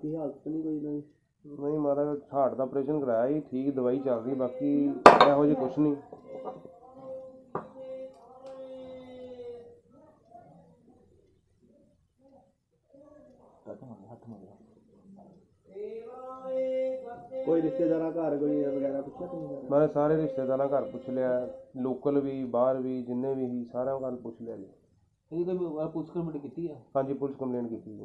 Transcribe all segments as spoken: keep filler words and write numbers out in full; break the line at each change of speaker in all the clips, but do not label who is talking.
बाकी हालत नहीं कोई नहीं
नहीं महाराज हार्ट का ऑपरेशन कराया ही ठीक दवाई चल रही बाकी ਇਹੋ ਜਿਹੀ कुछ नहीं।
कोई रिश्तेदार घर कोई वगैरह पूछा तुम
मैं सारे रिश्तेदार घर पूछ लिया लोकल भी बाहर भी जिन्ने भी ही सारे घर पूछ लिया जी।
ਇਹਦੀ ਕੋਈ ਪੁਲਿਸ ਕੰਪਲੇਂਟ ਕੀਤੀ ਹੈ?
हाँ जी पुलिस कंप्लेंट की थी।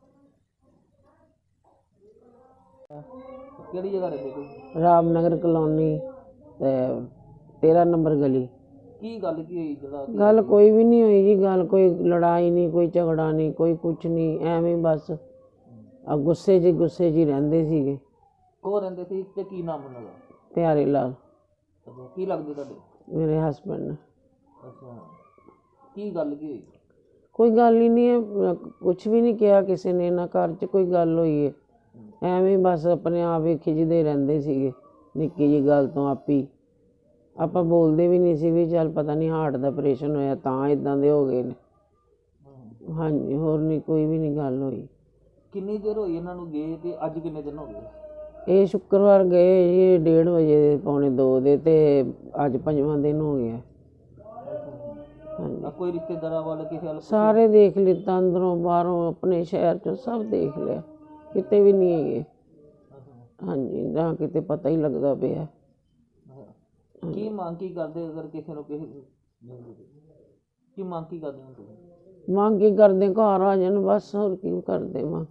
ਕਿਹੜੀ ਜਗ੍ਹਾ ਰਹਿੰਦੇ ਕੋਈ?
ਰਾਮਨਗਰ ਕਲੋਨੀ ਤੇ ਤੇਰਾਂ ਨੰਬਰ ਗਲੀ।
ਕੀ ਗੱਲ ਕੀ ਹੋਈ ਜਿਹੜਾ
ਗੱਲ ਕੋਈ ਵੀ ਨਹੀਂ ਹੋਈ ਜੀ, ਗੱਲ ਕੋਈ ਲੜਾਈ ਨਹੀਂ, ਕੋਈ ਝਗੜਾ ਨਹੀਂ, ਕੋਈ ਕੁਛ ਨਹੀਂ, ਐਵੇਂ ਬਸ ਆ ਗੁੱਸੇ 'ਚ ਗੁੱਸੇ 'ਚ ਹੀ ਰਹਿੰਦੇ ਸੀਗੇ।
ਕੋ ਰਹਿੰਦੇ ਸੀ ਤੇ ਕੀ ਨਾਮ ਉਹਨਾਂ ਦਾ?
ਪਿਆਰੇ ਲਾਲ
ਅੱਛਾ, ਕੀ ਲੱਗਦੇ ਤੁਹਾਡੇ?
ਮੇਰੇ ਹਸਬੈਂਡ ਨੇ।
ਅੱਛਾ, ਕੀ ਗੱਲ ਕੀ ਹੋਈ?
ਕੋਈ ਗੱਲ ਹੀ ਨਹੀਂ ਹੈ, ਕੁਛ ਵੀ ਨਹੀਂ ਕਿਹਾ ਕਿਸੇ ਨੇ, ਨਾ ਘਰ 'ਚ ਕੋਈ ਗੱਲ ਹੋਈ ਹੈ, ਐਵੇਂ ਬਸ ਆਪਣੇ ਆਪ ਹੀ ਖਿੱਚਦੇ ਰਹਿੰਦੇ ਸੀਗੇ ਨਿੱਕੀ ਜਿਹੀ ਗੱਲ ਤੋਂ। ਆਪੀ ਆਪਾਂ ਬੋਲਦੇ ਵੀ ਨਹੀਂ ਸੀ ਵੀ ਚੱਲ ਪਤਾ ਨਹੀਂ ਹਾਰਟ ਦਾ ਆਪਰੇਸ਼ਨ ਹੋਇਆ ਤਾਂ ਇੱਦਾਂ ਦੇ ਹੋ ਗਏ ਨੇ। ਹਾਂਜੀ, ਹੋਰ ਨਹੀਂ ਕੋਈ ਵੀ ਨਹੀਂ ਗੱਲ ਹੋਈ।
ਕਿੰਨੀ ਦੇਰ ਹੋਈ ਇਹਨਾਂ ਨੂੰ ਗਏ ਤੇ ਅੱਜ ਕਿੰਨੇ ਦਿਨ ਹੋ ਗਏ?
ਇਹ ਸ਼ੁੱਕਰਵਾਰ ਗਏ ਜੀ ਡੇਢ ਵਜੇ ਦੇ ਪੌਣੇ ਦੋ ਦੇ ਤੇ ਅੱਜ ਪੰਜਵਾਂ ਦਿਨ ਹੋ ਗਿਆ। ਹਾਂਜੀ,
ਆ ਕੋਈ ਰਿਸ਼ਤੇਦਾਰਾਂ ਵਾਲੇ ਕਿਸੇ ਹਾਲ
ਸਾਰੇ ਦੇਖ ਲਿੱਤਾ, ਅੰਦਰੋਂ ਬਾਹਰੋਂ ਆਪਣੇ ਸ਼ਹਿਰ 'ਚੋਂ ਸਭ ਦੇਖ ਲਿਆ, ਕਿਤੇ ਵੀ ਨਹੀਂ ਹੈਗੇ। ਹਾਂਜੀ, ਨਾ ਕਿਤੇ ਪਤਾ ਹੀ ਲੱਗਦਾ ਪਿਆ।
ਕੀ ਮੰਗ ਕੀ ਕਰਦੇ ਅਗਰ ਕਿਸੇ ਨੂੰ ਕਿਸੇ ਕੀ ਮੰਗ ਕੀ ਕਰਦੇ ਹੋ ਤੁਸੀਂ?
ਮੰਗ ਕੀ ਕਰਦੇ, ਘਰ ਆ ਜਾਣ ਬਸ, ਹੋਰ ਕੀ ਕਰਦੇ ਮਾਂ।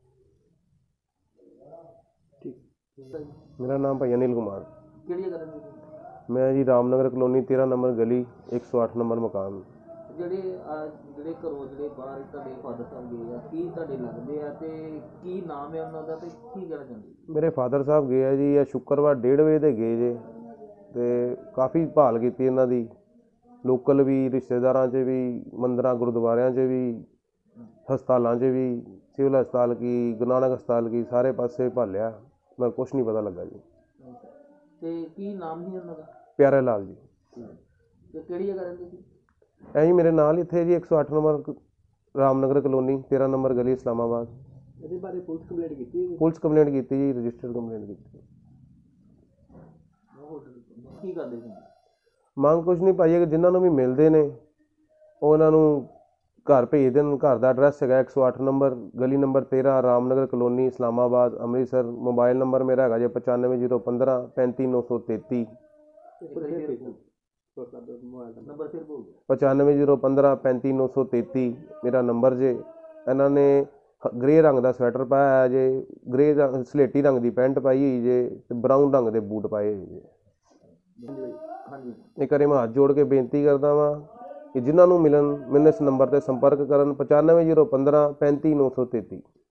मेरा नाम भाई अनिल कुमार।
ਕਿਹੜੀ ਜਗ੍ਹਾ ਰਹਿੰਦੇ ਸੀ?
मैं जी रामनगर कॉलोनी तेरह नंबर गली एक सौ आठ नंबर मकान।
ਜਿਹੜੇ ਆਹ ਜਿਹੜੇ ਘਰੋਂ ਜਿਹੜੇ ਬਾਹਰ ਤੁਹਾਡੇ ਫਾਦਰ ਸਾਹਿਬ ਗਏ ਆ ਕੀ ਤੁਹਾਡੇ ਲੱਗਦੇ ਆ ਤੇ ਕੀ ਨਾਮ ਹੈ ਉਹਨਾਂ ਦਾ ਤੇ ਕੀ ਕਹਿਣਾ ਚਾਹੁੰਦੇ?
ਮੇਰੇ ਫਾਦਰ ਸਾਹਿਬ ਗਏ ਆ ਜੀ ਇਹ ਸ਼ੁੱਕਰਵਾਰ ਡੇਢ ਵਜੇ ਦੇ ਗਏ ਜੇ ਤੇ ਕਾਫੀ ਭਾਲ ਕੀਤੀ ਇਹਨਾਂ ਦੀ, ਲੋਕਲ ਵੀ, ਰਿਸ਼ਤੇਦਾਰਾਂ 'ਚ ਵੀ, ਮੰਦਰਾਂ ਗੁਰਦੁਆਰਿਆਂ 'ਚ ਵੀ, ਹਸਪਤਾਲਾਂ 'ਚ ਵੀ, ਸਿਵਲ ਹਸਪਤਾਲ ਕੀ, ਗੁਰੂ ਨਾਨਕ ਹਸਪਤਾਲ ਕੀ, ਸਾਰੇ ਪਾਸੇ ਭਾਲਿਆ ਪਰ ਕੁਛ ਨਹੀਂ ਪਤਾ ਲੱਗਾ ਜੀ।
ਤੇ ਕੀ ਨਾਮ ਸੀ ਉਹਨਾਂ ਦਾ?
ਪਿਆਰੇ ਲਾਲ ਜੀ।
ਤੇ ਕਿਹੜੀ ਜਗ੍ਹਾ ਰਹਿੰਦੇ ਸੀ?
ਐ ਜੀ ਮੇਰੇ ਨਾਲ ਇੱਥੇ ਜੀ ਇੱਕ ਸੌ ਅੱਠ ਨੰਬਰ ਰਾਮਨਗਰ ਕਲੋਨੀ ਤੇਰਾਂ ਨੰਬਰ ਗਲੀ ਇਸਲਾਮਾਬਾਦ।
ਇਹਦੇ ਬਾਰੇ ਪੁਲਿਸ ਕੰਪਲੇਂਟ ਕੀਤੀ?
ਪੁਲਿਸ ਕੰਪਲੇਂਟ ਕੀਤੀ ਜੀ, ਰਜਿਸਟਰਡ ਕੰਪਲੇਂਟ ਕੀਤੀ।
ਕੀ ਕਰਦੇ ਸੀ?
ਮੰਗ ਕੁਛ ਨਹੀਂ ਭਾਈ, ਜਿਨ੍ਹਾਂ ਨੂੰ ਵੀ ਮਿਲਦੇ ਨੇ ਉਹ ਇਹਨਾਂ ਨੂੰ ਘਰ ਭੇਜ ਦੇਣ। ਘਰ ਦਾ ਐਡਰੈਸ ਹੈਗਾ ਇੱਕ ਸੌ ਅੱਠ ਨੰਬਰ ਗਲੀ ਨੰਬਰ ਤੇਰਾਂ Ramnagar colony Islamabad Amritsar. Mobile number ਮੇਰਾ ਹੈਗਾ ਜੀ ਪਚਾਨਵੇਂ ਜ਼ੀਰੋ ਪੰਦਰਾਂ ਪੈਂਤੀ ਨੌ ਸੌ ਤੇਤੀ।
ਨੰਬਰ ਫਿਰ ਬੋਲ।
ਪਚਾਨਵੇਂ ਜ਼ੀਰੋ ਪੰਦਰਾਂ ਪੈਂਤੀ ਨੌ ਸੌ ਤੇਤੀ ਮੇਰਾ ਨੰਬਰ ਜੇ। ਇਹਨਾਂ ਨੇ ਗ੍ਰੇ ਰੰਗ ਦਾ ਸਵੈਟਰ ਪਾਇਆ ਜੇ, ਗ੍ਰੇ ਰੰਗ ਸਲੇਟੀ ਰੰਗ ਦੀ ਪੈਂਟ ਪਾਈ ਹੋਈ ਜੇ ਤੇ ਬਰਾਊਨ ਰੰਗ ਦੇ ਬੂਟ ਪਾਏ ਹੋਏ ਜੇ। ਇਹ ਕਰੇ ਮੈਂ ਹੱਥ ਜੋੜ ਕੇ ਬੇਨਤੀ ਕਰਦਾ ਵਾਂ ਕਿ ਜਿਨ੍ਹਾਂ ਨੂੰ ਮਿਲਣ ਮੈਨੂੰ ਇਸ ਨੰਬਰ 'ਤੇ ਸੰਪਰਕ ਕਰਨ ਪਚਾਨਵੇਂ ਜ਼ੀਰੋ ਪੰਦਰਾਂ ਪੈਂਤੀ ਨੌ ਸੌ ਤੇਤੀ।